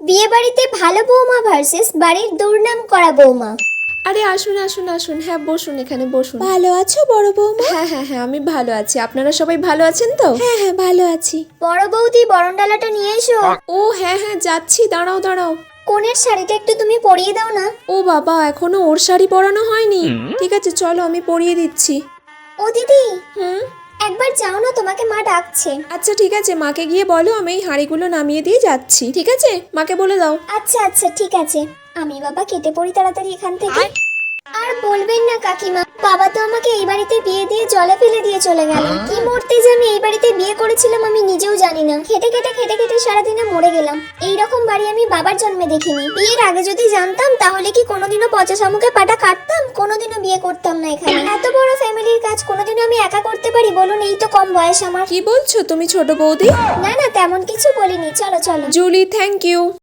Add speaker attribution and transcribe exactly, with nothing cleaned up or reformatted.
Speaker 1: বিয়ে বাড়িতে ভালো বৌমা ভার্সেস বাড়ির দুর্নাম করা বৌমা।
Speaker 2: আরে আসুন আসুন আসুন, হ্যাঁ বসুন, এখানে বসুন।
Speaker 3: ভালো আছো বড় বৌমা?
Speaker 2: হ্যাঁ হ্যাঁ হ্যাঁ, আমি ভালো আছি। আপনারা সবাই ভালো আছেন তো?
Speaker 3: হ্যাঁ হ্যাঁ ভালো আছি।
Speaker 1: বড় বৌদি বরণডালাটা নিয়ে এসো।
Speaker 2: ও হ্যাঁ হ্যাঁ যাচ্ছি, দাঁড়াও দাঁড়াও।
Speaker 1: কোণের শাড়িটা একটু তুমি পরিয়ে দাও না।
Speaker 2: ও বাবা, এখনো ওর শাড়ি পরানো হয়নি? ঠিক আছে চলো, আমি পরিয়ে দিচ্ছি।
Speaker 1: ও দিদি,
Speaker 2: হুম,
Speaker 1: একবার যাও না, তোমাকে মা ডাকছে।
Speaker 2: আচ্ছা ঠিক আছে, মাকে গিয়ে বলো আমি এই হাঁড়িগুলো নামিয়ে দিয়ে যাচ্ছি। ঠিক আছে, মাকে বলে দাও।
Speaker 1: আচ্ছা আচ্ছা ঠিক আছে, আমি বাবা কেটে পড়ি তাড়াতাড়ি এখান থেকে। আর বলবেন না কাকিমা, বাবা তো আমাকে এই বাড়িতে বিয়ে দিয়ে জলে ফেলে দিয়ে চলে গেল। কি মরতে যে আমি এই বাড়িতে বিয়ে করেছিলাম আমি নিজেও জানি না। খেটে খেটে খেটে খেটে সারাদিনে মরে গেলাম। এই রকম বাড়ি আমি বাবার জন্মে দেখিনি। বিয়ের আগে যদি জানতাম তাহলে কি কোনোদিনও পচা শামুকে পাটা কাটতাম, কোনোদিনও বিয়ে করতাম না এখানে। এত বড় ফ্যামিলির কাজ কোনোদিনও আমি একা করতে পারি বলুন? এই তো কম বয়স আমার।
Speaker 2: কি বলছো তুমি ছোট বৌদি?
Speaker 1: না না, তেমন কিছু বলিনি, চলো চলো।
Speaker 2: Julie, thank you.